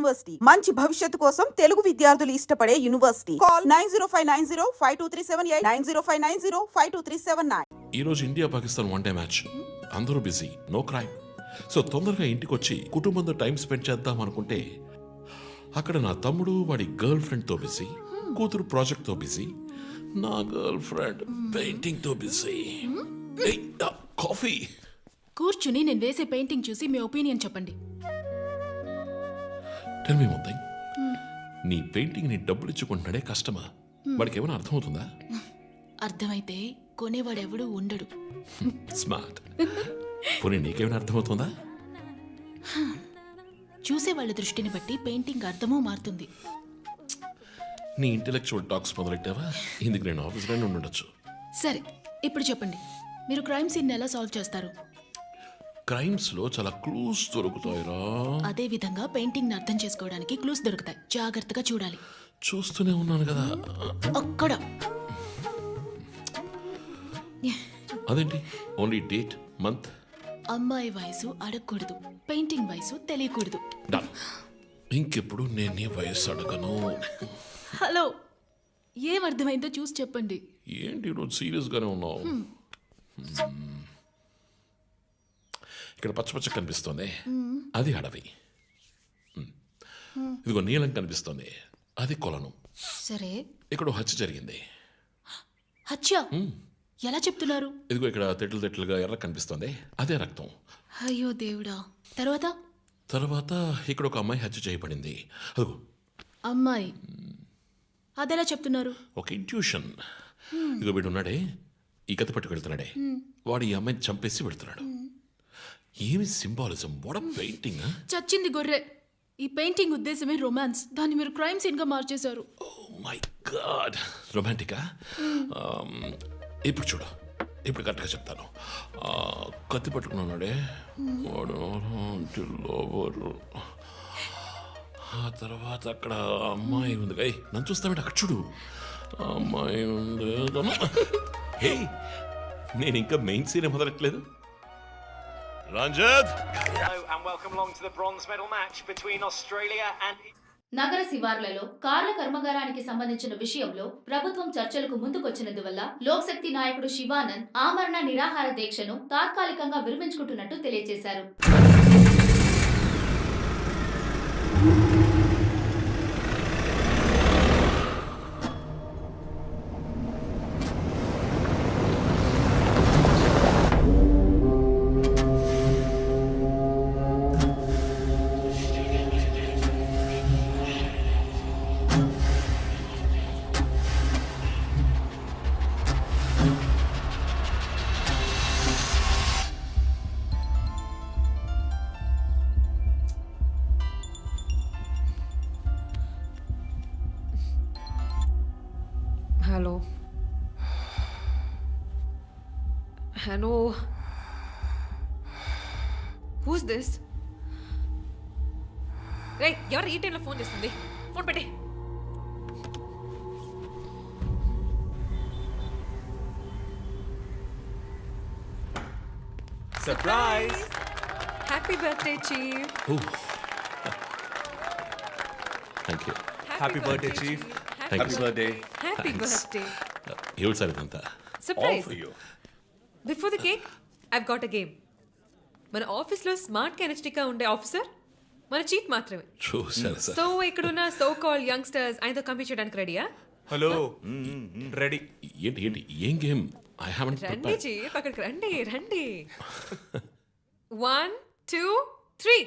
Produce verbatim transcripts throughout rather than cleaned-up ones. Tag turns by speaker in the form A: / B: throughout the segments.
A: University మంచి భవిష్యత్తు కోసం తెలుగు విద్యార్థులు ఇష్టపడే university. Call nine zero five nine zero five two three seven eight nine zero five nine zero five two three seven nine.
B: ఈ రోజు India Pakistan one day match. అందరూ busy, no crime. So తొందరగా ఇంటికి వచ్చి కుటుంబంతో టైం స్పెండ్ చేద్దాం అనుకుంటే అక్కడ నా తమ్ముడు వాడి గర్ల్ ఫ్రెండ్ తో బిజీ, కూతురు ప్రాజెక్ట్ తో బిజీ, నా గర్ల్ ఫ్రెండ్ పెయింటింగ్ తో బిజీ. కాఫీ.
C: కూర్చుని నేను వేసే పెయింటింగ్ చూసి మీ ఒపీనియన్ చెప్పండి.
B: టెల్ మీ వన్ థింగ్, నీ పెయింటింగ్ ని డబ్బులు ఇచ్చుకుంటున్నాడే కష్టమా? వాడికి ఏమైనా అర్థమవుతుందా?
C: అర్థమైతే కొనేవాడెవడూ ఉండడు.
B: స్మార్ట్. పోనీ నీకేమైనా అర్థమవుతుందా?
C: చూసే వాళ్ళ దృష్టిని బట్టి పెయింటింగ్ అర్థమూ మారుతుంది.
B: నీ ఇంటెలెక్చువల్ టాక్స్ మొదలెట్టావా? ఇందుకు నేను ఆఫీస్లోనే ఉండొచ్చు.
C: సరే, ఇప్పుడు చెప్పండి, మీరు క్రైమ్ సీన్ ఎలా సాల్వ్ చేస్తారు?
B: క్రైమ్స్ లో చాలా క్లూస్ దొరుకుతాయిరా.
C: అదే విధంగా పెయింటింగ్ ని అర్థం చేసుకోవడానికి క్లూస్ దొరుకుతాయి. జాగ్రత్తగా చూడాలి.
B: చూస్తూనే ఉన్నాను కదా.
C: అక్కడ
B: అదేంటి ఓన్లీ డేట్ మంత్?
C: అమ్మాయి వయసు అడగకూడదు, పెయింటింగ్ వయసు తెలియకూడదు.
B: డన్. ఇంకెప్పుడు నేను నీ వయసు అడగను.
C: హలో, ఏం అర్థమైందో చూసి చెప్పండి.
B: ఏంటి రోజు సీరియస్ గానే ఉన్నావు? ఇక్కడ పచ్చ పచ్చ కనిపిస్తోంది, అది అడవి. ఇదిగో నీలం కనిపిస్తోంది, అది కొలను.
C: సరే,
B: ఇక్కడ హత్య జరిగింది.
C: హత్య ఎలా చెప్తున్నారు?
B: ఇదిగో ఇక్కడ తెట్లు తెట్లుగా ఎర్ర కనిపిస్తోంది, అదే రక్తం.
C: అయ్యో దేవుడా. తర్వాత
B: తర్వాత ఇక్కడ ఒక అమ్మాయి హత్య చేయబడింది. అదిగో
C: అమ్మాయి, అదెలా చెప్తున్నారు?
B: ఒక ఇంట్యూషన్. ఇదిగో వీడు ఉన్నాడే, ఈ కత్తి పట్టుకు వెళ్తున్నాడే, వాడు ఈ అమ్మాయిని చంపేసి వెళ్తున్నాడు. ఏమి సింబాలిజం, వాట్ పెయింటింగ్.
C: చచ్చింది గొర్రె. ఈ పెయింటింగ్ ఉద్దేశమే రొమాన్స్, దాన్ని మీరు క్రైమ్ సీన్ గా మార్చేశారు.
B: ఓ మై గాడ్, రొమాంటికా? ఇప్పుడు చూడు, ఇప్పుడు కరెక్ట్గా చెప్తాను. కత్తి పట్టుకున్నాడే వాడు లోబరు. ఆ తర్వాత అక్కడ అమ్మాయి ఉంది. అయ్యి నన్ను చూస్తామంటే అక్కడ చూడు, అమ్మాయి ఉంది. హే, నేను ఇంకా మెయిన్ సీన్ మొదలట్లేదు. Ranjith,
D: Hello and welcome along to the bronze medal match between Australia and
E: నగర శివార్లలో కార్ల కర్మాగారానికి సంబంధించిన విషయంలో ప్రభుత్వం చర్చలకు ముందుకొచ్చినందువల్ల లోక్శక్తి నాయకుడు శివానంద్ ఆమరణ నిరాహార దీక్షను తాత్కాలికంగా విరమించుకుంటున్నట్టు తెలియజేశారు.
F: Hello. Hello. Who's this? Hey, ఎవరు ఈ టైంలో ఫోన్ చేస్తుంది? ఫోన్ పెట్టే.
G: Surprise!
F: Happy birthday, Chief.
B: Thank you.
G: Happy birthday, Chief.
B: Thank
G: Happy
B: you.
G: birthday.
F: Happy
B: Thanks.
F: birthday.
B: ఏమిటి సార్ ఇదంతా?
G: All
F: Surprise.
G: for you.
F: Before the cake, I've got a game. మన ఆఫీస్లో smart కెనెస్టిక్గా ఉండే officer మన chief మాత్రమే.
B: చూసారు sir.
F: So ఇక్కడున్న so called youngsters ఆయనతో కంపీట్ చేయడానికి రెడీయా?
G: Hello. Ready.
B: ఏంటి ఏంటి ఏం గేమ్? ఐ హావెంట్
F: రండి
B: ప్రిపేర్డ్.
F: చీఫ్, అక్కడికి రండి రండి. One two three.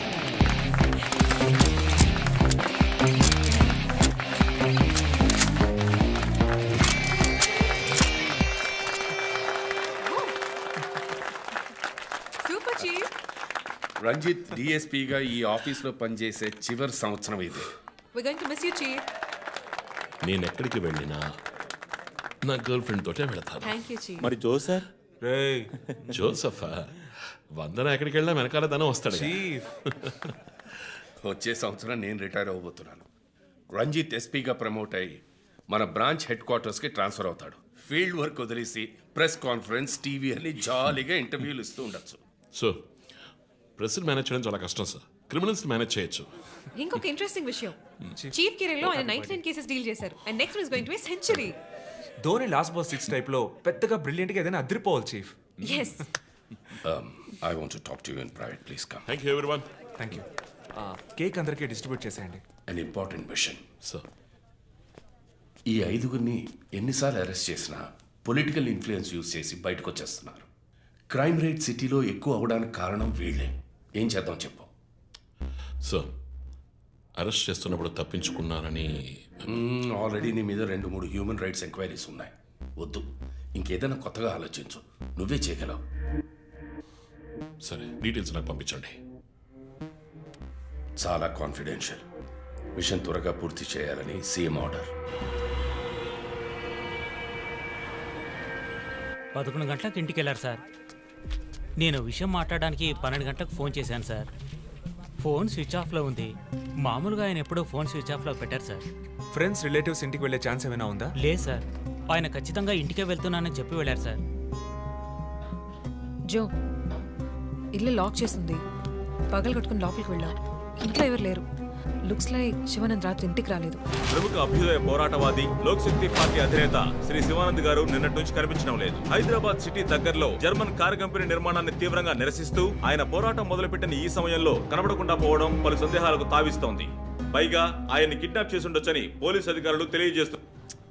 F: Super chief.
H: Ranjith డిఎస్పీగా ఈ ఆఫీస్లో పనిచేసే చివరి సంవత్సరం ఇది.
F: We're going to miss you, Chief.
B: నేను ఎక్కడికి వెళ్ళినా నా గర్ల్ ఫ్రెండ్ తోటే వెళతాను.
F: Thank you, Chief.
G: మరి జో సార్? రేయ్
B: జోసఫా, వందన ఎక్కడికి వెళ్ళినా వెనకాల ధనం వస్తాడు.
G: చీఫ్.
H: వచ్చే సంవత్సరం నేను రిటైర్ అవ్వబోతున్నాను. రంజిత్ ఎస్పీగా ప్రమోట్ అయ్యి మన బ్రాంచ్ హెడ్ క్వార్టర్స్కి ట్రాన్స్ఫర్ అవుతాడు. ఫీల్డ్ వర్క్ వదిలేసి ప్రెస్ కాన్ఫరెన్స్, టీవీ అని జాలీగా ఇంటర్వ్యూలు ఇస్తూ ఉండొచ్చు.
B: సో ప్రెస్ని మేనేజ్ చేయడం చాలా కష్టం సార్. క్రిమినల్స్ని మేనేజ్ చేయొచ్చు.
F: ఇంకొక ఇంట్రెస్టింగ్ విషయం చీఫ్ కెరీర్ లో ఆయన నైన్టీ నైన్ కేసెస్ డీల్ చేశారు and next is going to be century.
G: Dhoni last ball six type లో పెద్దగా బ్రిలియంట్ గా ఏదైనా అదిరిపోవాలి chief.
F: Yes
H: I want to talk to you in private please come.
B: Thank you everyone.
G: Thank you. Cake అందరికీ distribute చేసేయండి.
H: An important machine.
B: Sir
H: ఈ ఐదుగురిని ఎన్నిసార్లు అరెస్ట్ చేసినా పొలిటికల్ ఇన్ఫ్లుయెన్స్ యూజ్ చేసి బయటకు వచ్చేస్తున్నారు. క్రైమ్ రేట్ సిటీలో ఎక్కువ అవడానికి కారణం వీళ్ళే. ఏం చేద్దాం చెప్పు.
B: సార్ అరెస్ట్ చేస్తున్నప్పుడు తప్పించుకున్నారని
H: ఆల్రెడీ నీ మీద రెండు మూడు హ్యూమన్ రైట్స్ ఎంక్వైరీస్ ఉన్నాయి. వద్దు, ఇంకేదైనా కొత్తగా ఆలోచించు. నువ్వే చేయగలవు.
B: సరే డీటెయిల్స్ నాకు పంపించండి.
H: చాలా కాన్ఫిడెన్షియల్. మిషన్ త్వరగా పూర్తి చేయాలని సీఎం ఆర్డర్.
I: పదకొండు గంటలకు ఇంటికి వెళ్ళారు సార్. నేను విషయం మాట్లాడడానికి పన్నెండు గంటలకు ఫోన్ చేశాను సార్. ఫోన్ స్విచ్ ఆఫ్లో ఉంది. మామూలుగా ఆయన ఎప్పుడూ ఫోన్ స్విచ్ ఆఫ్లో పెట్టారు సార్.
G: ఫ్రెండ్స్ రిలేటివ్స్ ఇంటికి వెళ్ళే ఛాన్స్ ఏమైనా ఉందా?
I: లేదు సార్, ఆయన ఖచ్చితంగా ఇంటికే వెళ్తున్నానని చెప్పి వెళ్ళారు సార్.
F: జో, ఇల్లు లాక్ చేస్తుంది. పగలు కట్టుకుని లోపలికి వెళ్ళాం. ఇంట్లో ఎవరు లేరు. లుక్స్ లైక్ శివానంద్ రాత్రి ఇంటికి రాలేదు.
J: ప్రముఖ అభ్యుదయ పోరాటవాది లోక్ శక్తి పార్టీ అధినేత శ్రీ శివానంద్ గారు నిన్నటి నుంచి కనిపించడం లేదు. హైదరాబాద్ సిటీ దగ్గరలో జర్మన్ కారు కంపెనీ నిర్మాణాన్ని తీవ్రంగా నిరసిస్తూ ఆయన పోరాటం మొదలుపెట్టిన ఈ సమయంలో కనబడకుండా పోవడం పలు సందేహాలకు తావిస్తోంది. పైగా ఆయన్ని కిడ్నాప్ చేసి ఉండొచ్చని పోలీసు అధికారులు తెలియజేస్తున్నారు.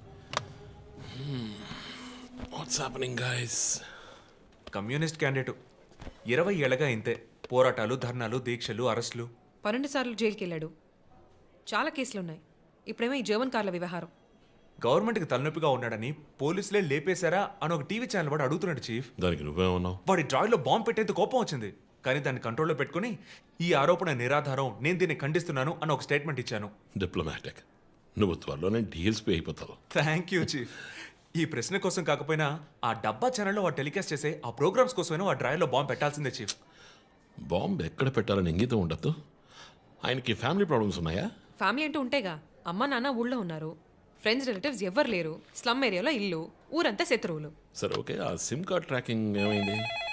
B: What's happening guys?
G: Communist candidate ఇరవై ఏళ్ళగా ఇంతే. పోరాటాలు, ధర్నాలు, దీక్షలు, అరెస్టులు.
F: పన్నెండు సార్లు జైలుకి వెళ్ళాడు. చాలా కేసులు ఉన్నాయి. ఇప్పుడేమో ఈ జర్మన్ కార్ల వ్యవహారం.
G: గవర్నమెంట్కి తలనొప్పిగా ఉన్నాడని పోలీసులే లేపేశారా అని ఒక టీవీ ఛానల్ వాడు అడుగుతున్నాడు చీఫ్.
B: దానికి నువ్వేమన్నావు?
G: వాడి డ్రాయిలో బాంబు పెట్టేందుకు కోపం వచ్చింది, కానీ దాన్ని కంట్రోల్లో పెట్టుకుని ఈ ఆరోపణ నిరాధారం, నేను దీన్ని ఖండిస్తున్నాను అని ఒక స్టేట్మెంట్ ఇచ్చాను.
B: డిప్లొమాటిక్. నువ్వు త్వరలోనే డీఎల్స్పీ అయిపోతావు.
G: Thank you chief. ఈ ప్రశ్న కోసం కాకపోయినా ఆ డబ్బా ఛానల్లో వాడు టెలికాస్ట్ చేసే ఆ ప్రోగ్రామ్స్ కోసమైనా వాడి డ్రాయిలో బాంబు పెట్టాల్సిందే చీఫ్.
B: బాంబు ఎక్కడ పెట్టాలని ఇంగితం ఉండద్దు. ఆయనకి ఫ్యామిలీ ప్రాబ్లమ్స్ ఉన్నాయా?
F: ఫ్యామిలీ అంటూ ఉంటేగా. అమ్మ నాన్న ఊళ్ళో ఉన్నారు. ఫ్రెండ్స్ రిలేటివ్స్ ఎవ్వరు లేరు. స్లమ్ ఏరియాలో ఇల్లు, ఊరంతా శత్రువులు.
B: సరే ఓకే, ఆ సిమ్ కార్డ్ ట్రాకింగ్ ఏమైంది?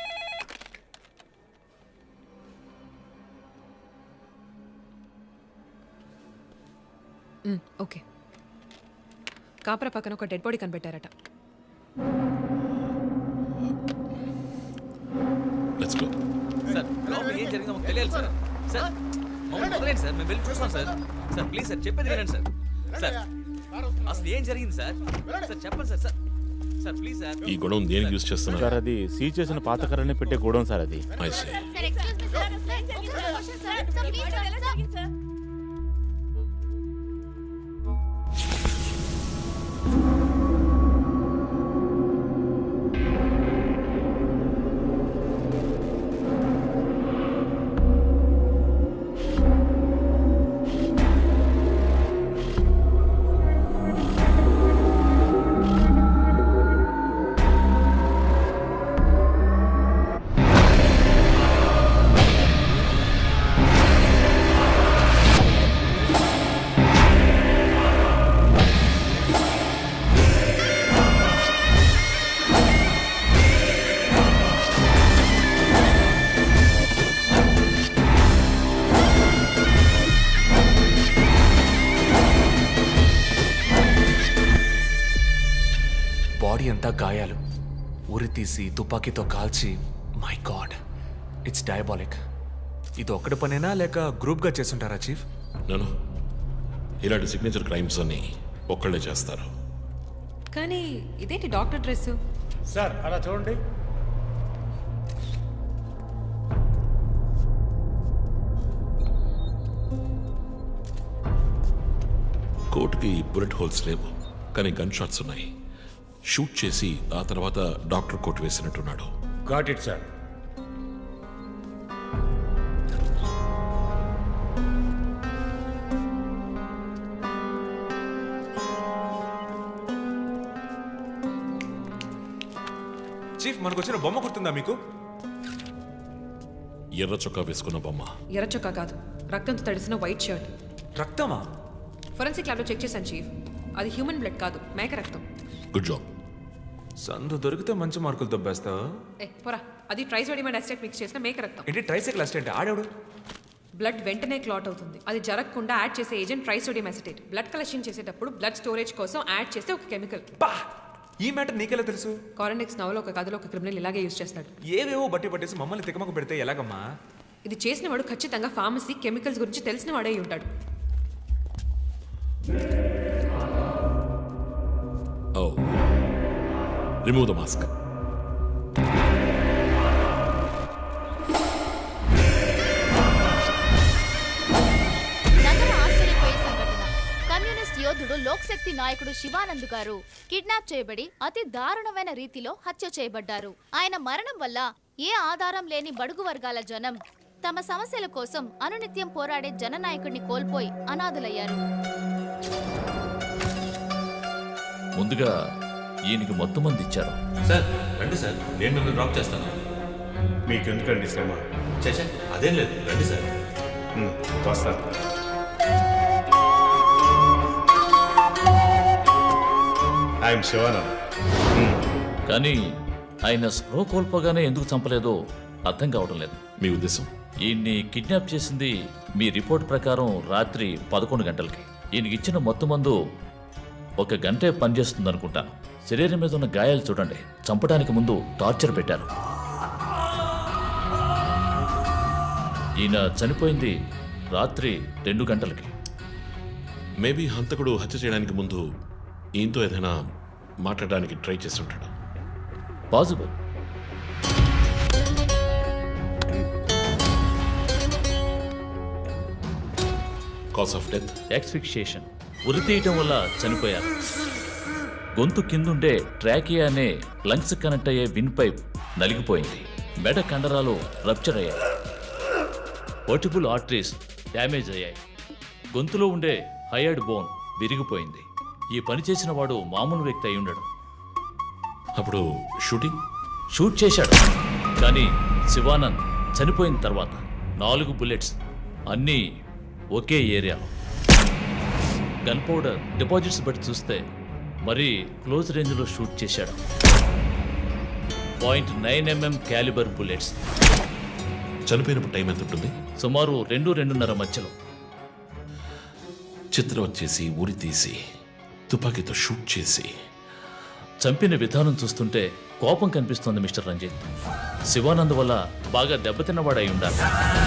F: మ్, ఓకే. కాపరా పక్కన ఒక డెడ్ బాడీ కనిపెట్టారట.
B: Let's go.
K: సార్ లోపల ఏం జరిగిందో మాకు తెలియాలి సార్. సార్ మమ్మల్ని వదిలేండి సార్, మేము వెళ్ళి చూస్తాం సార్. సార్ ప్లీజ్ సార్, చెప్పేది వినండి సార్. సార్ అసలు ఏం జరిగింది సార్? సార్ చెప్పండి sir. Sir sir please sir.
B: ఈ గొడవ దేనికి యూజ్ చేస్తున్నారు?
L: సార్ అది సీజ్ చేసిన పాత కర్రని పెట్టే గోడౌన్ సార్ అది.
B: I see.
G: బాడీ అంతా గాయాలు, ఉరి తీసి తుపాకీతో కాల్చి. My god, it's diabolic. ఇది ఒక్కడి పనేనా లేక గ్రూప్గా చేస్తుంటారా చీఫ్?
B: నేను ఇలాంటి సిగ్నేచర్ క్రైమ్స్ అన్ని ఒక్కళ్ళే చేస్తారు.
F: కానీ ఇదేంటి డాక్టర్ డ్రెస్?
L: సార్ అలా చూడండి.
B: కోట్కి బుల్లెట్ హోల్స్ లేవు, కానీ గన్ షాట్స్ ఉన్నాయి. షూట్ చేసి ఆ తర్వాత డాక్టర్ కోట్ వేసినట్టున్నాడు.
L: Got it sir.
G: చీఫ్ మనకు వచ్చిన బొమ్మ గుర్తుందా మీకు?
B: ఎర్ర చొక్కా వేసుకున్న బొమ్మ.
F: ఎర్ర చొక్కా కాదు, రక్తంతో తడిసిన వైట్ షర్ట్.
G: రక్తమా?
F: ఫొరెన్సిక్ ల్యాబ్లో చెక్ చేశాను చీఫ్. అది హ్యూమన్ బ్లడ్ కాదు, మేక రక్తం.
B: Good job.
G: సందు దొరికితే మంచి మార్కులు దొబ్బేస్తా.
F: ఏ పోరా, అది ట్రైసోడియం అండ్ అసిటేట్ మిక్స్ చేసిన మేక రక్తం.
G: ఏంటి ట్రైసైకిల్ అసిస్టెంట్? ఆడాడు
F: బ్లడ్ వెంటనే క్లాట్ అవుతుంది. అది జరగకుండా యాడ్ చేసే agent trisodium acetate. Blood collection చేసేటప్పుడు బ్లడ్ స్టోరేజ్ కోసం యాడ్ చేసే ఒక కెమికల్.
G: బా ఈ మ్యాటర్ నీకెలా తెలుసు?
F: కారెనిక్స్ నవలో ఒక కథలో ఒక క్రిమినల్ ఇలాగే యూజ్ చేస్తాడు.
G: ఏవేవో బట్టి పట్టేసి మమ్మల్ని తికమక పెడితే ఎలాగమ్మా?
F: ఇది చేసిన వాడు ఖచ్చితంగా ఫార్మసీ కెమికల్స్ గురించి తెలిసిన వాడే అయి ఉంటాడు.
B: Oh remove the mask.
E: నగర ఆశ్చర్యపోయే సంఘటన. కమ్యూనిస్ట్ యోధుడు లోక్శక్తి నాయకుడు శివానంద్ గారు కిడ్నాప్ చేయబడి అతి దారుణమైన రీతిలో హత్య చేయబడ్డారు. ఆయన మరణం వల్ల ఏ ఆధారం లేని బడుగు వర్గాల జనం తమ సమస్యల కోసం అనునిత్యం పోరాడే జననాయకుడిని కోల్పోయి అనాథులయ్యారు.
K: ముందుగా ఈయనకి మొత్తం మంది ఇచ్చారు.
J: సార్ రండి సార్, నేను మిమ్మల్ని డ్రాప్ చేస్తాను.
L: మీకెందుకండి శ్రమ?
J: చేసా అదేం లేదు, రండి సార్.
L: ఉమ్, వస్తాను. ఐఎమ్ శివానంద్.
K: కానీ ఆయన స్ప్రో కోల్పోగానే ఎందుకు చంపలేదో అర్థం కావడం లేదు.
B: మీ ఉద్దేశం?
K: ఈయన్ని కిడ్నాప్ చేసింది మీ రిపోర్ట్ ప్రకారం రాత్రి పదకొండు గంటలకి. ఈయనకి ఇచ్చిన మొత్తం మందు ఒక గంటే పనిచేస్తుంది అనుకుంటాను. శరీరం మీద ఉన్న గాయాలు చూడండి, చంపడానికి ముందు టార్చర్ పెట్టారు. ఈయన చనిపోయింది రాత్రి రెండు గంటలకి.
B: మేబీ హంతకుడు హత్య చేయడానికి ముందు ఈయనతో ఏదైనా మాట్లాడడానికి ట్రై చేస్తుంటాడు.
K: Possible.
B: Cause of death
K: asphyxiation, ఉరి తీయటం వల్ల చనిపోయారు. గొంతు కిందుండే ట్రాకియా అనే లంగ్స్ కనెక్ట్ అయ్యే విన్ పైప్ నలిగిపోయింది. మెడ కండరాలు రప్చర్ అయ్యాయి. వర్టిబుల్ ఆర్టరీస్ డ్యామేజ్ అయ్యాయి. గొంతులో ఉండే హయర్డ్ బోన్ విరిగిపోయింది. ఈ పని చేసిన వాడు మామూలు వ్యక్తి అయి ఉండడు.
B: అప్పుడు షూటింగ్
K: షూట్ చేశాడు, కానీ శివానంద్ చనిపోయిన తర్వాత నాలుగు బుల్లెట్స్ అన్నీ ఒకే ఏరియాలో. గన్ పౌడర్ డిపాజిట్స్ బట్టి చూస్తే మరీ క్లోజ్ రేంజ్లో షూట్ చేశాడు. Point nine MM calibre bullets.
B: చనిపోయినప్పుడు టైం ఎంత ఉంటుంది?
K: సుమారు రెండు రెండున్నర మధ్యలో.
B: చిత్రం వచ్చేసి ఉరి తీసి తుపాకీతో షూట్ చేసి
K: చంపిన విధానం చూస్తుంటే కోపం కనిపిస్తోంది మిస్టర్ రంజిత్. శివానంద్ వల్ల బాగా దెబ్బతిన్నవాడై ఉండాలి.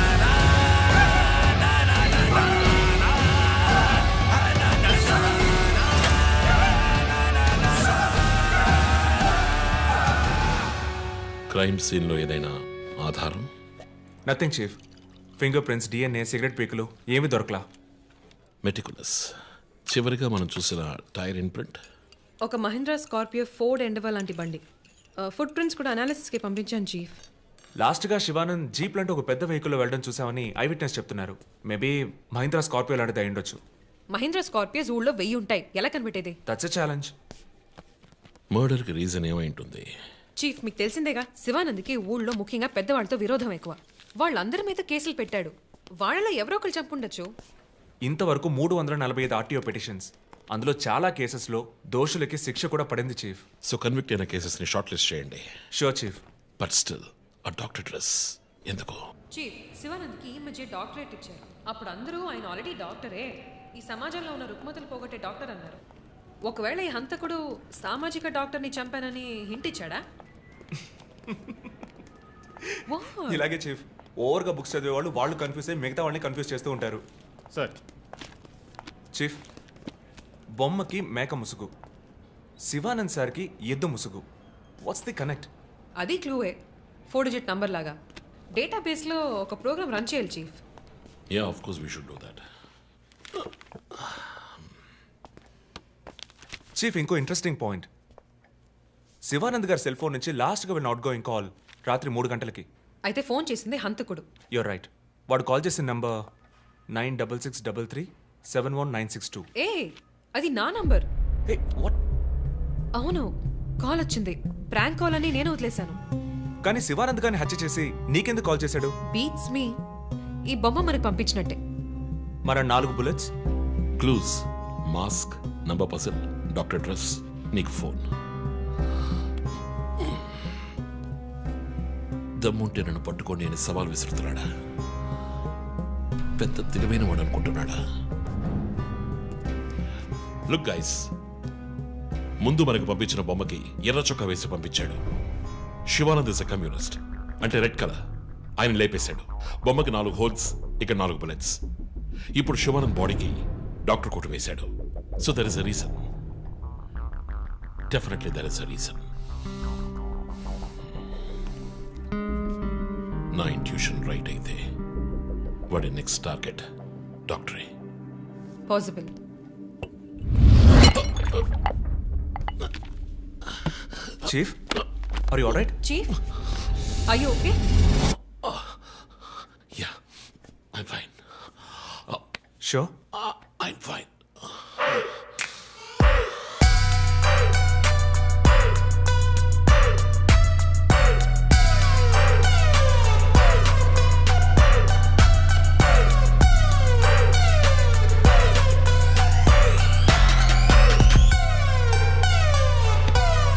B: క్రైమ్ సీన్లో ఏదైనా ఆధారం?
G: Nothing chief. Fingerprints, DNA, cigarette పీకులు ఏమీ దొరకలా.
B: మెటికులస్. చివరిగా మనం చూసిన టైర్ ఇన్ప్రింట్
F: ఒక మహీంద్రా స్కార్పియో ఫోర్డ్ ఎండవా లాంటి బండి. ఫుట్ ప్రింట్స్ కూడా అనాలిసిస్కి పంపించాను చీఫ్.
G: లాస్ట్గా శివానంద్ జీప్ లాంటి ఒక పెద్ద వెహికల్లో వెళ్ళడం చూసామని ఐ విట్నెస్ చెప్తున్నారు. మేబీ మహీంద్రా స్కార్పియో లాంటిది అయి ఉండొచ్చు.
F: మహీంద్రా స్కార్పియోస్ ఊళ్ళో వెయ్యి ఉంటాయి, ఎలా కనిపెట్టేది?
G: That's a challenge.
B: మర్డర్కి రీజన్ ఏమై ఉంటుంది?
F: చీఫ్, మీకు తెలిసిందేగా, శివానంద్కి ఊళ్ళో ముఖ్యంగా పెద్దవాళ్ళతో విరోధం ఎక్కువ. వాళ్ళందరి మీద కేసులు పెట్టాడు. వాళ్ళలో ఎవరో ఒకరు చంపుండొచ్చు.
G: ఇంతవరకు మూడు వందల నలభై ఐదు ఆర్టీఓ పిటిషన్స్, అందులో చాలా కేసెస్లో దోషులకి శిక్ష కూడా పడింది చీఫ్.
B: సో కన్విక్ట్ అయిన కేసెస్ని షార్ట్ లిస్ట్ చేయండి.
G: Sure chief.
B: బట్ స్టిల్ ఆ డాక్టర్ డ్రెస్ ఎందుకు?
F: చీఫ్, శివానంద్కి ఈ మధ్య డాక్టరేట్ ఇచ్చారు. అప్పుడు అందరూ ఆయన ఆల్రెడీ డాక్టరే, ఈ సమాజంలో ఉన్న రుగ్మతలు పోగొట్టే డాక్టర్ అన్నారు. ఒకవేళ ఈ హంతకుడు సామాజిక డాక్టర్ని చంపానని హింట్ ఇచ్చాడా?
G: ఇలాగే చీఫ్, ఓవర్గా బుక్స్ చదివే వాళ్ళు వాళ్ళు కన్ఫ్యూజ్ అయ్యి మిగతా వాళ్ళని కన్ఫ్యూజ్ చేస్తూ ఉంటారు.
L: సార్,
G: చీఫ్, బొమ్మకి మేక ముసుగు, శివానంద్ సార్కి ఎద్దు ముసుగు. What's the connect?
F: అది క్లూవే, ఫోర్ డిజిట్ నంబర్ లాగా. డేటాబేస్లో ఒక ప్రోగ్రామ్ రన్ చేయాలి chief.
B: Yeah, of course we should do that.
G: Chief, ఇంకో ఇంట్రెస్టింగ్ పాయింట్. శివానంద్ గారి సెల్ ఫోన్ నుంచి లాస్ట్గా వెళ్ళిన అవుట్ గోయింగ్ కాల్ రాత్రి మూడు గంటలకి.
F: అయితే ఫోన్ చేసింది హంతకుడు.
G: You're right. వాడు కాల్ చేసిన number nine double six double three seven one nine six two.
F: ఏ, అది నా నంబర్.
G: Hey, what?
F: అవును, కాల్ వచ్చింది. ప్రాంక్ కాల్ అని నేను వదిలేశాను.
G: కానీ శివానంద్ గారిని హత్య చేసి నీకెందుకు కాల్ చేశాడు?
F: Beats me. ఈ బొమ్మ మనకి పంపించినట్టే.
G: మన నాలుగు bullets,
B: clues, mask, number person, doctor dress, నీకు ఫోన్. దమ్ముంటే నన్ను పట్టుకొని నేను సవాల్ విసురుతున్నాడా? పెద్ద తెలివైన వాడు అనుకుంటున్నాడా? లుక్ గైస్, ముందు మనకు పంపించిన బొమ్మకి ఎర్ర చొక్కా వేసి పంపించాడు. శివానంద్ ఇస్ అ కమ్యూనిస్ట్, అంటే రెడ్ కలర్. ఆయన లేపేశాడు. బొమ్మకి నాలుగు హోల్స్, ఇక్కడ నాలుగు బుల్లెట్స్. ఇప్పుడు శివానంద్ బాడీకి డాక్టర్ కోట్ వేశాడు. So there is a reason. Definitely there is a reason. నా ఇంట్యూషన్ రైట్ అయితే వాడి నెక్స్ట్ టార్గెట్ డాక్టరే.
F: Possible.
G: Chief, are you alright?
F: Chief, are you okay?
B: Yeah, I'm fine.
G: Sure?
B: I'm fine.